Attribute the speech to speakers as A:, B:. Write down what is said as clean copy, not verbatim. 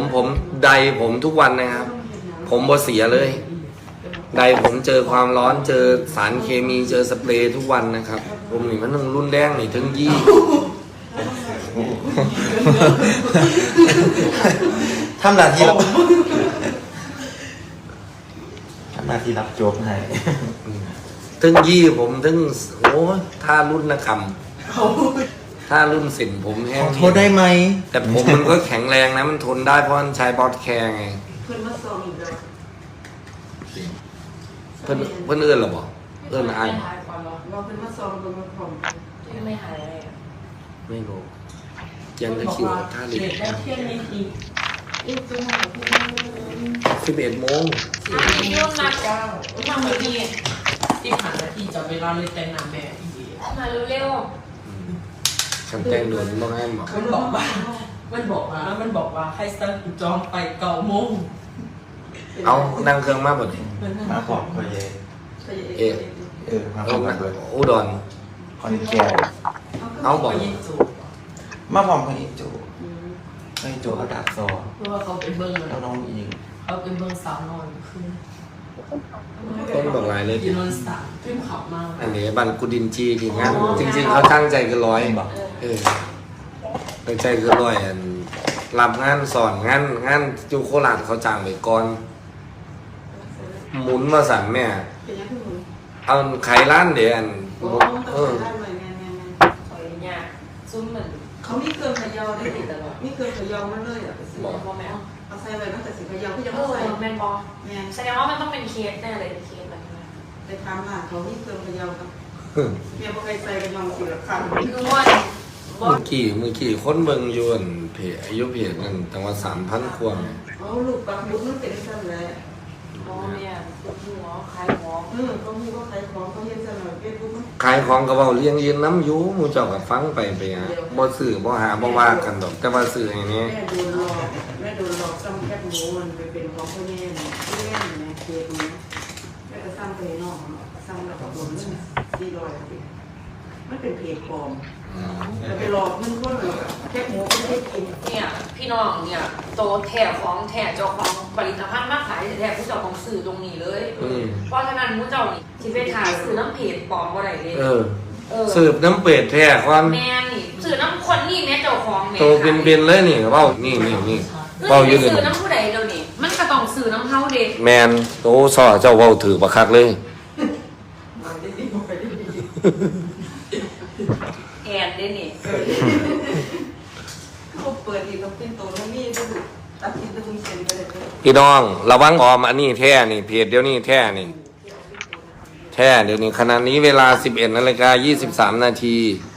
A: ผมใดผมทุกวันนะครับผมบ่เสียเลยใดผมเจอความร้อนเจอสารเคมีเจอสเปรย์ทุกวันนะครับผมนี่มันต้องรุ่นแดงนี่ถึงยี่
B: ทำหน้าที่รับโจ๊กให้
A: ถึงยี่ผมถึงโอ้ถ้ารุ่นนะคำถ้ารุ่นสินผมแห้ง
B: โทษได้ไหม
A: แต่ผมมันก็แข็งแรงนะมันทนได้เพราะมันใช้บอสแคร์ไง
C: เพื่อนมาส่งอีกแล้ว
A: เพื่อนเอื้อนหรอบอกเอื้อนอ่าน
C: เราเพื่อนมาส่งบนมาผม
D: ไม่หายอะไรอ่ะ
A: ไม่รู้ยังจะคิวท่าเด็ก
C: แล้วเที่ยงนี้ที
A: 11 โมง
D: พี่ยุ่งนัดทำแบบนี้
C: ที่ผ่านนาทีจะเวลาเลยแต่งหน้าแม่อีก
D: มาเร็ว
A: คำแจ้งด่วนต้องให้หมอ
C: มันบอกว่าให้สตั้งจองไป9 โมง
A: เอานั่งเครื่องมาบ่ดิ
B: มาพร้อมพ่อเย่มาพร้อมกันเลย
A: อุดร
B: คอนแก่
A: เอาบอก
B: มาพร้อมพ่อเย่จูพ่อเย่จูเขาดักซอ
C: เพราะว่าเขาเป็นเบิ้ง
B: แล้วน้องอิง
C: เขาเป็นเบิ้งสาวนอนขึ้น
A: ต้นบอกลายเลย
C: กินนอนสามขึ้นขับมาก
A: อันนี้บันกุดินจีทีงานจริงๆเขาตั้งใจคือตั้งใจคือ100อันรับงานสอนงานจูโคราชเขาจ้างไปก่อนหมุนมาสั่งแม่เอาไข่ร้านเดี๋ยวอัน
D: ซุ้มเหมือน
C: เขามีเครื่องขยาวได้ติดตลอดมีเครื่องขยาวมาเลย
D: บอกแม่
C: เอาใส่ไว้ตั้งแต่สิขยาวก็ยัง
D: ใส่
C: ใส่
D: แมนบอแสดงว่ามันต้องเป็นเคสแน่เลยเคสแบบนี้
C: ไปทำค่ะเขามีเครื่องขยาวครับเมียบอกใครใส่กันยองสิละครั้ง
D: คือว่า
A: มือกี่คนเบิ่งยวนเพจอายุเพจนั่นตั้งว่า3,000 ควง
C: อ๋อลูกปักบุญมันเป็นสั้นเลย
D: อ๋อเนี่ยหัวขายของ
C: เขามีว่าขายของเขาเย็นสั้นเลยเฟซบุ๊ก
A: ขายของกระเป๋าเลี้ยงยืนน้ำยูมูเจ้ากับฟังไปฮะบ่สื่อบ่หาบ่ว่ากันดอกแต่ว่าสื่ออย่างนี้
C: แม่โดนหลอกซ้ำแคบหมูมันไปเป็นของพ่อแม่ที่เล่นนะเคสนี้แม่ก็ซ้ำไปนอกซ้ำแล้วก็โดนเรื่อง400มันเป็นเพจปลอมไปหลอกมันคนแคบหมูไม่ได้กิน
D: เนี่ยพี่น้องเนี่ยโตแถของแถเจ้าของผลิตภัณฑ์มาขายแถผู้เจ้าของสื่อตรงนี้เลยเพราะฉะนั้นผู้เจ้านี่ที่ไปถ่ายสื่อน้ำเพจปลอมอะไรเลย
A: สืบน้ำเป็ดแท้ความ
D: แม่นี่สื่อน้ำคนนี่แม่เจ้าของแม่
A: โตเป็นเลยนี่เว้านี่
D: เว้าอยู่สื่อน้ำผู้ใดเดี๋ยวนี้มันก็ต้องสื่อน้ำเฮาเด็ก
A: แมนโตซ่อเจ้าเว้าถือบักคักเลย
D: แอนได้นี่
C: เขาเปิดอีกแล้วเป็นตัวแล้วมีก็ดูตัดสินตะลุงเซนไปเลย
A: พี่น้องระวังออมอันนี้แท้นี่เพจเดี๋ยวนี้แท้นี่แท้เดี๋ยวนี้ขณะนี้เวลา 11:23 นาที